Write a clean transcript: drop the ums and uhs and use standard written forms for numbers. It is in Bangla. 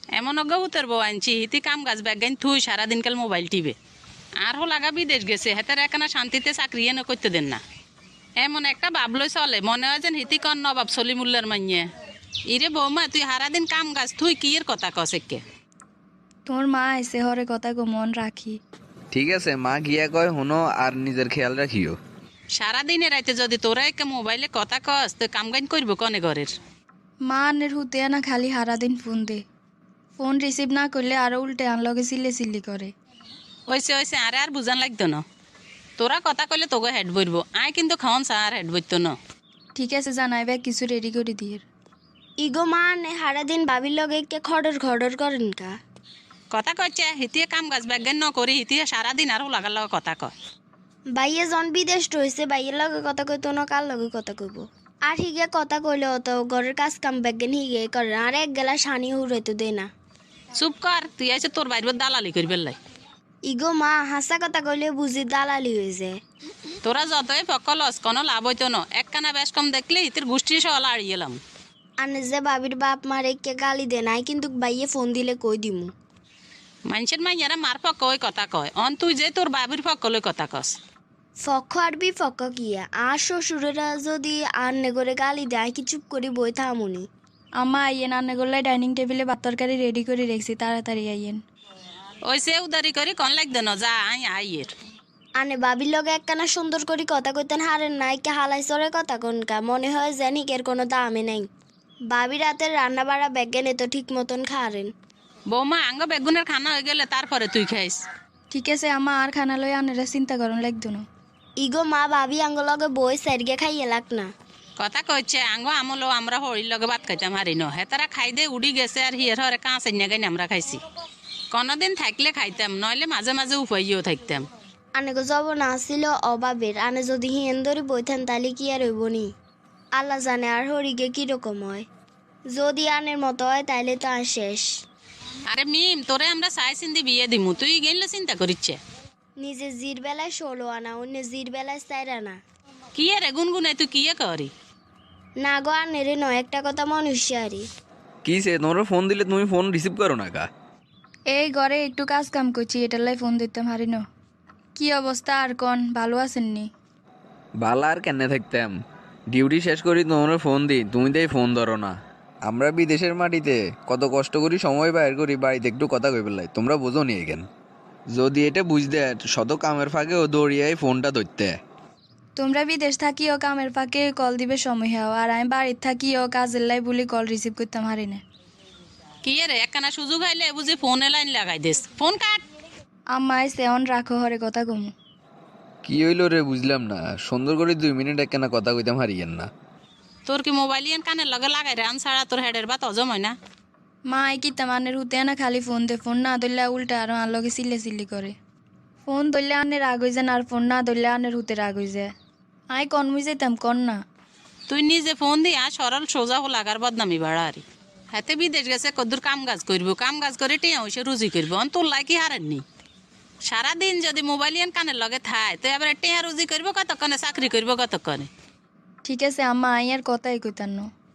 এমন অজ্ঞাভূতের বউ আনছি হিতি কাম গাছ ব্যাগাইন থুই সারাদিনকাল মোবাইল টিপে আর লাগা বিদেশ গেছে হেতার একখানা শান্তিতে চাকরি এনে করতে দেন না। এমন একটা ভাবলই চলে মনে হয় যেন হিতি কন নবাব সলিমুল্লার মাইয়ে। ইরে বৌমা তুই সারাদিন কাম গাছ তুই কি এর কথা কসেকে? তোর মা এসে হরে কথা গো মন রাখি। ঠিক আছে মা গিয়া কয় হুনো আর নিজের খেয়াল রাখিও। সারাদিনে রাইতে যদি তোরা একে মোবাইলে কথা কস তো কাম গাইন করবো কনে ঘরের? মা আনের হুতে না খালি সারাদিন ফোন দে, ফোন রিসিভ না করলে আরো উল্টে আনলগে চিল্লি করে। ওইসে ওইসে আরে আর বুঝান লাগতো না। তোরা কথা কইলে তোকে হেড বইরবো আয় কিন্তু খাওয়ান চা আর হেড বইতো না। ঠিক আছে জানাইবে কিছু রেডি করে দিয়ে। ইগো মা নে সারাদিন বাবির লগে কে খডর করেন কা? কথা কচ্ছে হিতিয়ে কাম গাছ ব্যাজ্ঞান ন করি হিতিয়ে সারাদিন আরও লাগার লগে কথা কয়। বাইয়ে জন বিদেশ রয়েছে বাইয়ের লগে কথা কইতো না কার লগে কথা কইব? আর হিগে কথা কইলে অত ঘরের কাজ কাম ব্যাগেন হিগে করে আর এক গেলা সানি হুড়াইতে দে না। চুপ কর তুই আছে তোর বাইর দালালি করি বেললাই। ইগো মা হাসা কথা কইলে বুঝি দালালি হয়ে যায়। তোরা যতই ফকলস কোনো লাভ হইতো না, একখানা বেশ কম দেখলে হিতের গোষ্ঠী সহ আড়িয়ে এলাম। আনে যে বাবির বাপ মারে কে গালি দে নাই কিন্তু বাইয়ে ফোন দিলে কই দিমু। মানুষের মাইয়ারা মার পক্ষ ওই কথা কয় অন তুই যে তোর বাবির পক্ষ লই কথা কস। ফক্ক আর বিফক্ক কিয়া আর শ্বশুরেরা যদি আন্নে করে গালি দেয় কি চুপ করি বই থামুনি? আম্মা আইয়েন আন্নে করলে ডাইনিং টেবিলে ভাত তরকারি রেডি করে রেখেছি, তাড়াতাড়ি আইয়েন। ওই সে উদারি করি কন লাগতো না যা আই আইয়ের। আনে বাবির লগে একখানা সুন্দর করে কথা কইতেন হারেন নাই কে হালাই সরে কথা কনকা মনে হয় জানি এর কোনো দামে নাই। বাবি রাতের রান্না বাড়া ব্যাগেনে তো ঠিক মতন খারেন। বৌমা আঙ্গ বেগুনের খানা হয়ে গেলে তারপরে তুই খাইস। ঠিক আছে আম্মা আর খানা লই আনেরা চিন্তা করুন লাগতো না। ইগো মা বাবি আঙ্গ লগে বই সাইডগে খাইয়ে লাগ না। কথা কইছে আঙ্গ আমলো আমরা হরির লগে ভাত খাইতাম হারি ন হেতারা খাই দে উড়ি গেছে আর হিয়ের হরে কাঁচ এনে গাইন আমরা খাইছি। কোনোদিন থাকলে খাইতাম নইলে মাঝে মাঝে উপাইও থাকতাম। আনেগো জব না ছিল অভাবের আনে যদি হিয়েন ধরি বইতেন তাহলে কি আর হইব নি? আল্লাহ জানে আর হরিগে কিরকম হয়। যদি আনের মতো হয় তাইলে তো আর শেষ। আরে মিম তোরে আমরা চাই চিন্তি বিয়ে দিমু তুই গেলে চিন্তা করিচ্ছে। নিজে জির বেলায় 16 আনা অন্য জির বেলায় 4 আনা। কি রে গুনগুনে তুই কি করি? না গো আনেরে নয় একটা কথা মনুষ্যারি। কি সে তোমার ফোন দিলে তুমি ফোন রিসিভ করো না কা? এই ঘরে একটু কাজ কাম করছি, এটার লাই ফোন দিতাম হারি ন। কি অবস্থা আর কন, ভালো আছেননি? বালা আর কেন থাকতাম, ডিউটি শেষ করি তোমার ফোন দিই তুমি তাই ফোন ধরো না। আমরা বিদেশের মাটিতে কত কষ্ট করি সময় বাইর করি বাড়িতে একটু কথা কই পেলাই, তোমরা বোঝো নি এখান। যদি এটা বুঝতে শত কামের ফাঁকেও দৌড়িয়াই ফোনটা ধরতে। তোমরা বিদেশ থাকিও কামের ফাঁকে কল দিবে সময় হও, আর আমি বাড়ির থাকিও কাজের লাই বলি কল রিসিভ করতাম হারি না। কি রে একখানা সুযোগ আইলে বুঝি ফোনে লাইন লাগাই দিস, ফোন কাট। আম্মা এসে অন রাখো হরে কথা কমু। কি হইল রে বুঝলাম না, সুন্দর করে 2 মিনিট একখানা কথা কইতাম হারিয়েন না। তোর কি মোবাইল ইয়ান কানের লগে লাগাই রে আন ছাড়া তোর হেডের বা হজম হয় না? মা এই কি তামানের হুতে না খালি ফোন দে, ফোন না ধরলে উল্টা আর আর লগে চিল্লি করে। ফোন ধরলে আনের রাগ হয়ে যায় আর ফোন না ধরলে আনের হুতে রাগ হয়ে যায়। আই কনমুই যেতাম কন না। তুই নিজে ফোন দিয়া সরল সোজা হো লাগার বদনামি বাড়া আরি। হাতে বিদেশ গেছে কদ্দুর কাম কাজ করবো, কাম কাজ করে টিয়া হইসে রুজি করবো, অন তোর লাই কি হারেননি? সারাদিন যদি মোবাইল ইয়ান কানের লগে থায় তো এবারে টিয়া রুজি করবো কতক্ষণে, চাকরি করবো কতক্ষণে? ঠিক আছে আম্মা আই আর কথাই কইতাম না।